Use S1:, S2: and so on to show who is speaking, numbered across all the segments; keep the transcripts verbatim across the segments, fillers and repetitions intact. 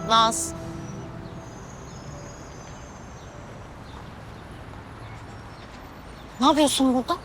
S1: Naz. Ne yapıyorsun burada?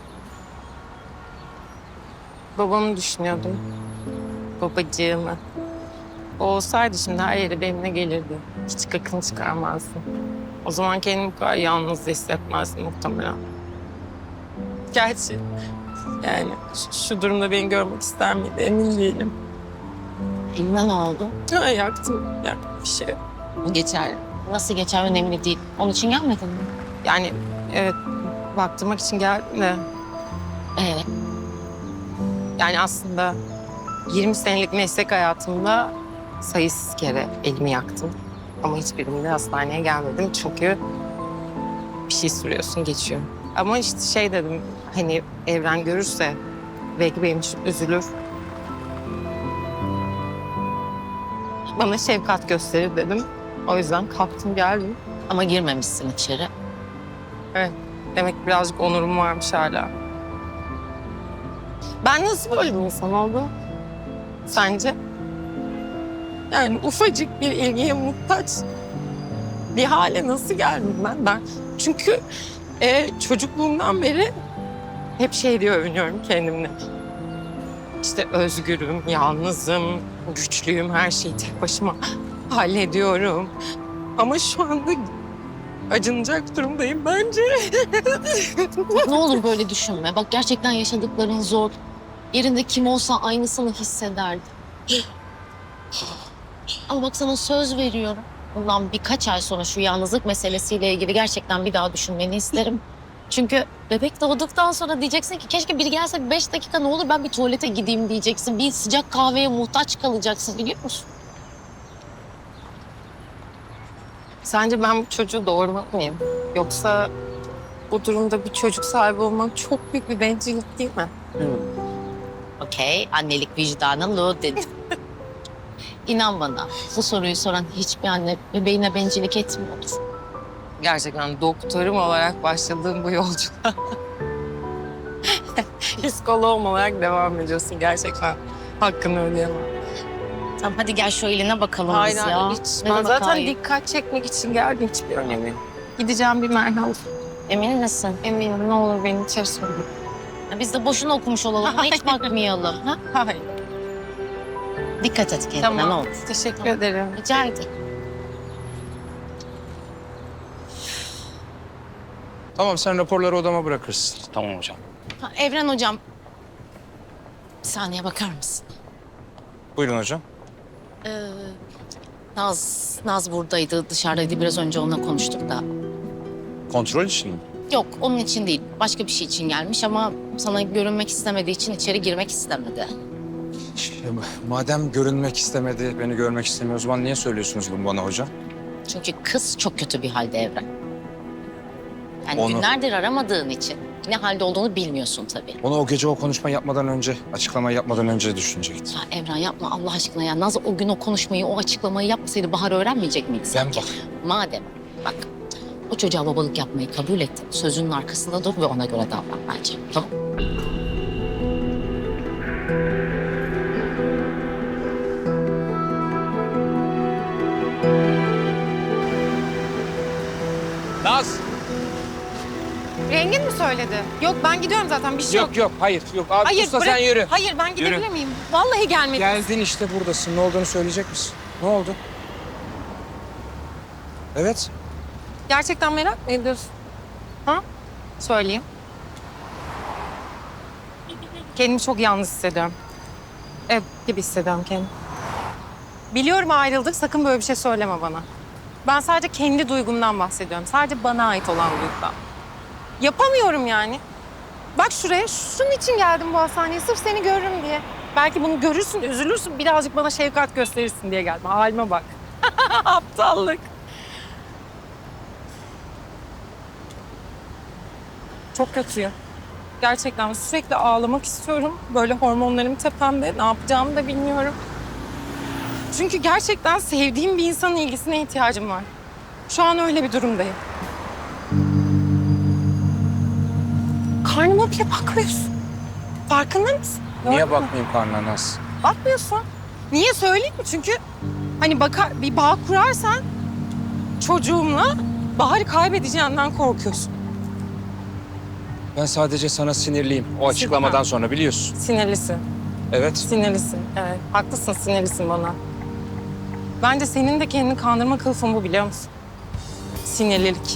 S2: Babamı düşünüyordum. Babacığımı. O olsaydı şimdi her yere benimle gelirdi. Hiç kakını çıkarmazdım. O zaman kendimi bu kadar yalnız hissetmezdim muhtemelen. Gerçi yani şu, şu durumda beni görmek ister miydi emin değilim.
S1: Eline ne oldu?
S2: Ha, yaktım. Yaktım bir şey.
S1: Geçer. Nasıl geçer önemli değil. Onun için gelmedin mi?
S2: Yani evet baktırmak için geldim de.
S1: Evet.
S2: Yani aslında yirmi senelik meslek hayatımda sayısız kere elimi yaktım. Ama hiçbirinde hastaneye gelmedim çünkü bir şey sürüyorsun geçiyor. Ama işte şey dedim hani Evren görürse belki benim için üzülür. Bana şefkat gösterir dedim. O yüzden kalktım geldim.
S1: Ama girmemişsin içeri.
S2: Evet demek ki birazcık onurum varmış hala. Ben nasıl böyle bir insan oldum sence? Yani ufacık bir ilgiye muhtaç bir hale nasıl geldim ben? Ben çünkü e, çocukluğumdan beri hep şey diye övünüyorum kendimle. İşte özgürüm, yalnızım, güçlüyüm, her şeyi tek başıma hallediyorum. Ama şu anda acınacak durumdayım bence.
S1: Ne olur böyle düşünme. Bak gerçekten yaşadıkların zor. Yerinde kim olsa aynısını hissederdi. Ama bak sana söz veriyorum. Bundan birkaç ay sonra şu yalnızlık meselesiyle ilgili gerçekten bir daha düşünmeni isterim. Çünkü bebek doğduktan sonra diyeceksin ki keşke biri gelse beş dakika ne olur ben bir tuvalete gideyim diyeceksin. Bir sıcak kahveye muhtaç kalacaksın biliyor musun?
S2: Sence ben bu çocuğu doğurmalı mıyım? Yoksa bu durumda bir çocuk sahibi olmak çok büyük bir bencillik değil mi?
S1: Okey, annelik vicdanı lo dedi. İnan bana bu soruyu soran hiçbir anne bebeğine bencillik etmiyordur.
S2: Gerçekten doktorum olarak başladığım bu yolculuğa psikoloğum olarak devam ediyorsun. Gerçekten hakkını ödeyemem.
S1: Tamam hadi gel şu eline bakalım
S2: Hayır,
S1: biz
S2: hayır,
S1: ya.
S2: hiç.
S1: Ne
S2: Ben
S1: demek
S2: zaten
S1: hayır?
S2: dikkat çekmek için geldim. Hiçbir önemi yok. Gideceğim bir merhaba.
S1: Emin misin?
S2: Eminim ne olur beni içeri sokun.
S1: Ya biz de boşuna okumuş olalım. Buna hiç bakmayalım. Ha?
S2: Hayır.
S1: Dikkat et kendine
S2: Tamam.
S1: ne olur.
S2: Teşekkür ederim.
S1: Rica ederim.
S3: Tamam sen raporları odama bırakırsın.
S4: Tamam hocam.
S1: Ha, Evren hocam. Bir saniye bakar mısın?
S3: Buyurun hocam.
S1: Ee, Naz, Naz buradaydı, dışarıdaydı. Biraz önce onunla konuştuk da.
S3: Kontrol için mi?
S1: Yok, onun için değil. Başka bir şey için gelmiş ama sana görünmek istemediği için içeri girmek istemedi.
S3: Ya, madem görünmek istemedi, beni görmek istemiyor o zaman niye söylüyorsunuz bunu bana hocam?
S1: Çünkü kız çok kötü bir halde Evren. Yani
S3: Onu-
S1: günlerdir aramadığın için ne halde olduğunu bilmiyorsun tabii.
S3: Onu o gece o konuşma yapmadan önce, açıklama yapmadan önce düşünecektim.
S1: Ya Evren yapma Allah aşkına ya. Naz o gün o konuşmayı, o açıklamayı yapmasaydı Bahar öğrenmeyecek miydi
S3: Ben
S1: sanki?
S3: bak.
S1: Madem bak o çocuğa babalık yapmayı kabul ettin. Sözünün arkasında dur ve ona göre davran bence. Tamam.
S3: Naz!
S2: Rengin mi söyledi? Yok ben gidiyorum zaten bir şey yok.
S3: Yok yok hayır yok. Abi
S2: Hayır
S3: usta
S2: bırak.
S3: sen yürü.
S2: Hayır ben gidebilir
S3: Yürü.
S2: miyim? Vallahi gelmedim.
S3: Geldin işte buradasın. Ne olduğunu söyleyecek misin? Ne oldu? Evet.
S2: Gerçekten merak mı ediyorsun? Ha? Söyleyeyim. Kendimi çok yalnız hissediyorum. Ev gibi hissediyorum kendimi. Biliyorum ayrıldık, sakın böyle bir şey söyleme bana. Ben sadece kendi duygumdan bahsediyorum. Sadece bana ait olan duygudan. Yapamıyorum yani. Bak şuraya, şunun için geldim bu hastaneye. Sırf seni görürüm diye. Belki bunu görürsün, üzülürsün, birazcık bana şefkat gösterirsin diye geldim. Halime bak. Aptallık. Çok kötüyüm. Gerçekten sürekli ağlamak istiyorum. Böyle hormonlarım tepemde. Ne yapacağımı da bilmiyorum. Çünkü gerçekten sevdiğim bir insanın ilgisine ihtiyacım var. Şu an öyle bir durumdayım. Karnıma bile bakmıyorsun. Farkında mısın?
S3: Niye
S2: Gördün mü?
S3: bakmayayım karnına Naz?
S2: Bakmıyorsun. Niye söyleyeyim mi? Çünkü Hani bakar, bir bağ kurarsan çocuğumla Bahar'ı kaybedeceğinden korkuyorsun.
S3: Ben sadece sana sinirliyim. O açıklamadan sonra biliyorsun.
S2: Sinirlisin.
S3: Evet.
S2: Sinirlisin. Evet. Haklısın, sinirlisin bana. Bence senin de kendini kandırma kılıfın bu, biliyor musun? Sinirlilik.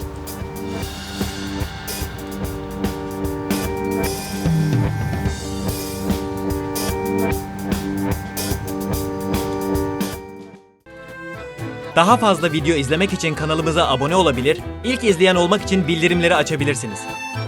S4: Daha fazla video izlemek için kanalımıza abone olabilir, ilk izleyen olmak için bildirimleri açabilirsiniz.